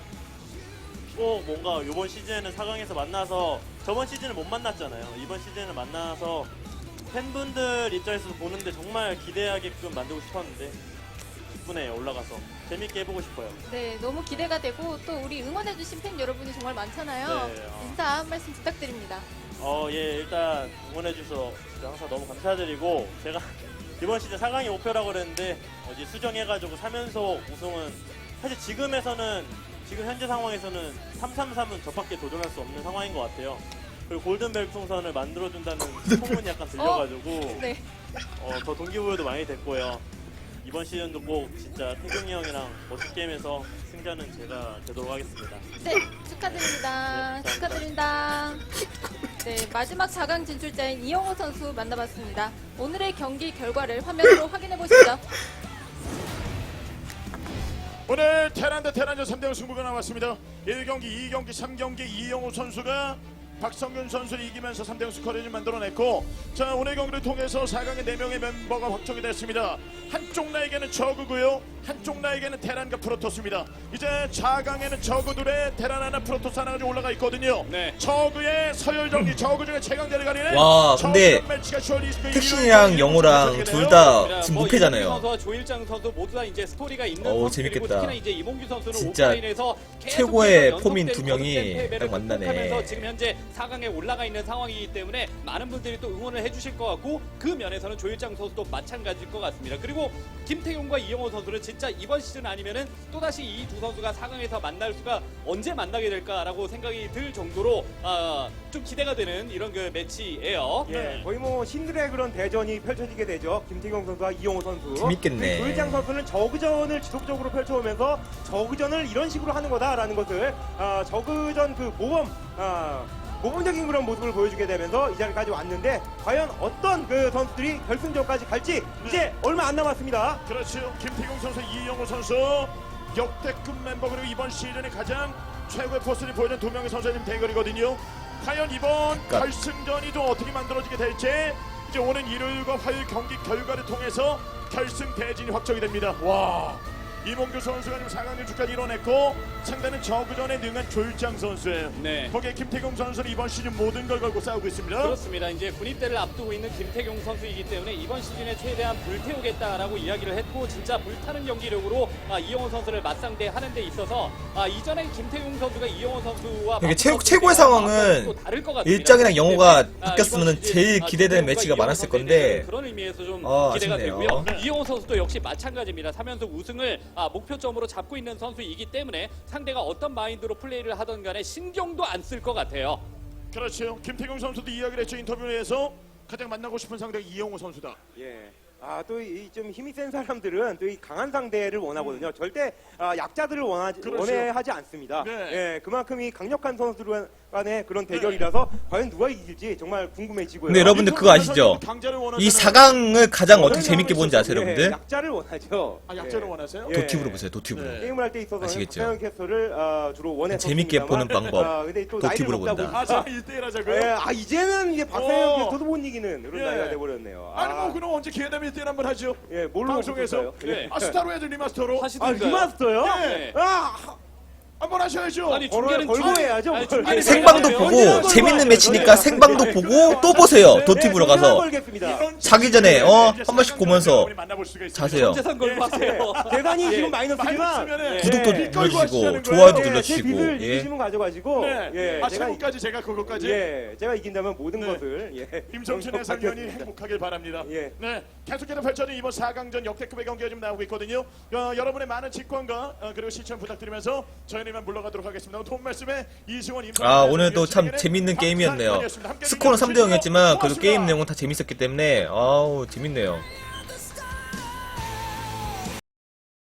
[SPEAKER 7] 뭔가 이번 시즌에는 4강에서 만나서 저번 시즌을 못 만났잖아요. 이번 시즌을 만나서 팬분들 입장에서 보는데 정말 기대하게끔 만들고 싶었는데 기쁘네요. 올라가서 재밌게 해보고 싶어요.
[SPEAKER 6] 네, 너무 기대가 되고 또 우리 응원해주신 팬 여러분이 정말 많잖아요.
[SPEAKER 7] 네,
[SPEAKER 6] 인사 한 말씀 부탁드립니다.
[SPEAKER 7] 예, 일단 응원해주셔서 진짜 항상 너무 감사드리고 제가 이번 시즌 4강이 목표라고 그랬는데 어제 수정해가지고 3연속 우승은 사실 지금 현재 상황에서는 333은 저밖에 도전할 수 없는 상황인 것 같아요. 그리고 골든벨 풍선을 만들어준다는 소문이 약간 들려가지고
[SPEAKER 6] 네.
[SPEAKER 7] 더 동기부여도 많이 됐고요. 이번 시즌도 꼭 진짜 태경이 형이랑 멋진 게임에서 승자는 제가 되도록 하겠습니다.
[SPEAKER 6] 네, 축하드립니다.
[SPEAKER 7] 네,
[SPEAKER 6] 축하드립니다. 네, 마지막 4강 진출자인 이영호 선수 만나봤습니다. 오늘의 경기 결과를 화면으로 확인해 보시죠.
[SPEAKER 1] 오늘 테란 대 테란전 3대0 승부가 나왔습니다. 1경기, 2경기, 3경기 이영호 선수가 박성균 선수를 이기면서 3대0 스코어를 만들어냈고, 자, 오늘 경기를 통해서 4강의 4명의 멤버가 확정이 됐습니다. 한쪽 나에게는 저그고요, 한쪽 나에게는 테란과 프로토스입니다. 이제 4강에는 저그들의 테란 하나, 프로토스 하나가 좀 올라가 있거든요.
[SPEAKER 2] 네.
[SPEAKER 1] 저그의 서열정리, 저그 중에 최강자를 가리는
[SPEAKER 4] 와, 근데
[SPEAKER 1] 저그전 매치가 10월 29일
[SPEAKER 4] 택신이랑
[SPEAKER 1] 일요일
[SPEAKER 4] 영호랑
[SPEAKER 1] 경기가
[SPEAKER 4] 둘
[SPEAKER 1] 되네요.
[SPEAKER 4] 다 지금
[SPEAKER 2] 뭐
[SPEAKER 4] 무패잖아요.
[SPEAKER 2] 이몽규 선수와 조일장 선수 모두 다 이제 스토리가 있는
[SPEAKER 4] 어우,
[SPEAKER 2] 선수들이고
[SPEAKER 4] 재밌겠다.
[SPEAKER 2] 특히나 이제 이몽규 선수는
[SPEAKER 4] 진짜
[SPEAKER 2] 오프라인에서
[SPEAKER 4] 최고의
[SPEAKER 2] 계속해서
[SPEAKER 4] 폼인
[SPEAKER 2] 연속된
[SPEAKER 4] 두 명이
[SPEAKER 2] 거듭된 패배를
[SPEAKER 4] 딱 만나네.
[SPEAKER 2] 극복하면서 지금 현재 4강에 올라가 있는 상황이기 때문에 많은 분들이 또 응원을 해주실 것 같고, 그 면에서는 조일장 선수도 마찬가지일 것 같습니다. 그리고 김태용과 이영호 선수는 진짜 이번 시즌 아니면은 또다시 이 두 선수가 4강에서 만날 수가 언제 만나게 될까라고 생각이 들 정도로 좀 기대가 되는 이런 그 매치예요.
[SPEAKER 3] 예, 거의 뭐 신들의 그런 대전이 펼쳐지게 되죠. 김태경 선수와 이용호 선수.
[SPEAKER 4] 재밌겠네.
[SPEAKER 3] 조일장 선수는 저그전을 지속적으로 펼쳐오면서 저그전을 이런 식으로 하는 거다라는 것을 저그전 그 모범적인 그런 모습을 보여주게 되면서 이 자리까지 왔는데, 과연 어떤 그 선수들이 결승전까지 갈지 이제 얼마 안 남았습니다.
[SPEAKER 1] 그렇죠. 김태경 선수, 이영호 선수 역대급 멤버, 그리고 이번 시즌에 가장 최고의 포스를 보여준 두 명의 선수의 대결이거든요. 과연 이번
[SPEAKER 4] 그러니까.
[SPEAKER 1] 결승전이 또 어떻게 만들어지게 될지 이제 오는 일요일과 화요일 경기 결과를 통해서 결승 대진이 확정이 됩니다. 와, 이몽규 선수가 지금 4강 진출까지 이뤄냈고, 상대는 저그전에 능한 조일장 선수예요.
[SPEAKER 2] 네.
[SPEAKER 1] 거기에 김태경 선수는 이번 시즌 모든 걸 걸고 싸우고 있습니다.
[SPEAKER 2] 그렇습니다. 이제 군입대를 앞두고 있는 김태경 선수이기 때문에 이번 시즌에 최대한 불태우겠다라고 이야기를 했고, 진짜 불타는 경기력으로 이영호 선수를 맞상대하는 데 있어서 이전에 김태경 선수가 이영호 선수와
[SPEAKER 4] 이게 최고의 상황은
[SPEAKER 2] 또 다를 것 같습니다.
[SPEAKER 4] 일장이랑 영호가
[SPEAKER 2] 때문에,
[SPEAKER 4] 바뀌었으면
[SPEAKER 2] 이번 시즌,
[SPEAKER 4] 제일 기대되는
[SPEAKER 2] 김태경과
[SPEAKER 4] 매치가
[SPEAKER 2] 이영호
[SPEAKER 4] 많았을
[SPEAKER 2] 선수에
[SPEAKER 4] 건데,
[SPEAKER 2] 대해서는 그런 의미에서 좀 기대가
[SPEAKER 4] 아쉽네요.
[SPEAKER 2] 되고요. 이영호 선수도 역시 마찬가지입니다. 3연속 우승을 목표점으로 잡고 있는 선수이기 때문에 상대가 어떤 마인드로 플레이를 하던 간에 신경도 안 쓸 것 같아요.
[SPEAKER 1] 그렇죠. 김태경 선수도 이야기를 했죠. 인터뷰에서 가장 만나고 싶은 상대가 이영호 선수다.
[SPEAKER 3] 예. 또 이 좀 힘이 센 사람들은 또 이 강한 상대를 원하거든요. 절대 약자들을
[SPEAKER 1] 그렇죠.
[SPEAKER 3] 원해하지 않습니다.
[SPEAKER 1] 네.
[SPEAKER 3] 예, 그만큼 이 강력한 선수들 간의 그런 대결이라서 과연 누가 이길지 정말 궁금해지고요.
[SPEAKER 4] 근데 여러분들 그거 아시죠?
[SPEAKER 1] 강자를 원하잖아요.
[SPEAKER 4] 이 4강을 가장 어떻게 재밌게 보는지 아세요,
[SPEAKER 3] 예,
[SPEAKER 4] 여러분들?
[SPEAKER 3] 약자를 원하죠.
[SPEAKER 1] 약자를
[SPEAKER 3] 예.
[SPEAKER 1] 원하세요?
[SPEAKER 3] 예.
[SPEAKER 4] 도티브로 보세요, 도티브로.
[SPEAKER 1] 네.
[SPEAKER 3] 게임을 할 때 있어서는
[SPEAKER 4] 아시겠죠?
[SPEAKER 3] 박상현 캐스터를 주로 원해서
[SPEAKER 4] 재밌게 보는 방법.
[SPEAKER 3] 근데 또
[SPEAKER 4] 도티브로
[SPEAKER 3] 나이를 먹다
[SPEAKER 4] 본다.
[SPEAKER 1] 자,
[SPEAKER 3] 보니까
[SPEAKER 1] 1대1 하자고요?
[SPEAKER 3] 예, 이제는 이게 박상현
[SPEAKER 1] 어.
[SPEAKER 3] 캐스터도 못 이기는 그런
[SPEAKER 1] 예.
[SPEAKER 3] 나이가 돼버렸네요.
[SPEAKER 1] 아니 뭐 그럼 언제 기회 되면 1대1 한번 하죠?
[SPEAKER 3] 예, 뭘로
[SPEAKER 1] 방송에서.
[SPEAKER 3] 먹었어요?
[SPEAKER 2] 네.
[SPEAKER 1] 스타로 해야죠, 리마스터로.
[SPEAKER 2] 하시던가요?
[SPEAKER 3] 리마스터요?
[SPEAKER 1] 네.
[SPEAKER 3] 한번
[SPEAKER 1] 하셔야죠.
[SPEAKER 2] 아니 중계는
[SPEAKER 3] 걸고 해야죠.
[SPEAKER 2] 아니, 중계는
[SPEAKER 4] 생방도
[SPEAKER 2] 중계는
[SPEAKER 4] 보고
[SPEAKER 2] 중계는
[SPEAKER 4] 재밌는 매치니까 생방도 보고 또 보세요. 도티브로 가서 자기 전에 한 번씩 보면서 자세요.
[SPEAKER 2] 전재산 걸고 하세요.
[SPEAKER 3] 대단히
[SPEAKER 1] 예.
[SPEAKER 3] 지금 마이너스지만
[SPEAKER 4] 구독도
[SPEAKER 1] 네.
[SPEAKER 4] 눌러주시고 좋아요도
[SPEAKER 3] 제
[SPEAKER 4] 눌러주시고.
[SPEAKER 3] 빚을
[SPEAKER 4] 예.
[SPEAKER 3] 이기시면 가져가지고
[SPEAKER 1] 네. 최고까지 제가 그거까지.
[SPEAKER 3] 제가 이긴다면 모든
[SPEAKER 1] 네.
[SPEAKER 3] 것을
[SPEAKER 1] 임성춘
[SPEAKER 3] 영접
[SPEAKER 1] 해설위원이
[SPEAKER 3] 받겠습니다.
[SPEAKER 1] 행복하길 바랍니다.
[SPEAKER 3] 예.
[SPEAKER 1] 네, 계속해서 펼쳐진 이번 4강전 역대급의 경기가 지금 나오고 있거든요. 여러분의 많은 직관과 그리고 시청 부탁드리면서 저희는 이만 물러가도록 하겠습니다. 돈 말씀에 이승원
[SPEAKER 4] 오늘 또 참 재밌는 게임이었네요. 스코어는 3대 0이었지만 그래도 게임 내용은 다 재밌었기 때문에 재밌네요.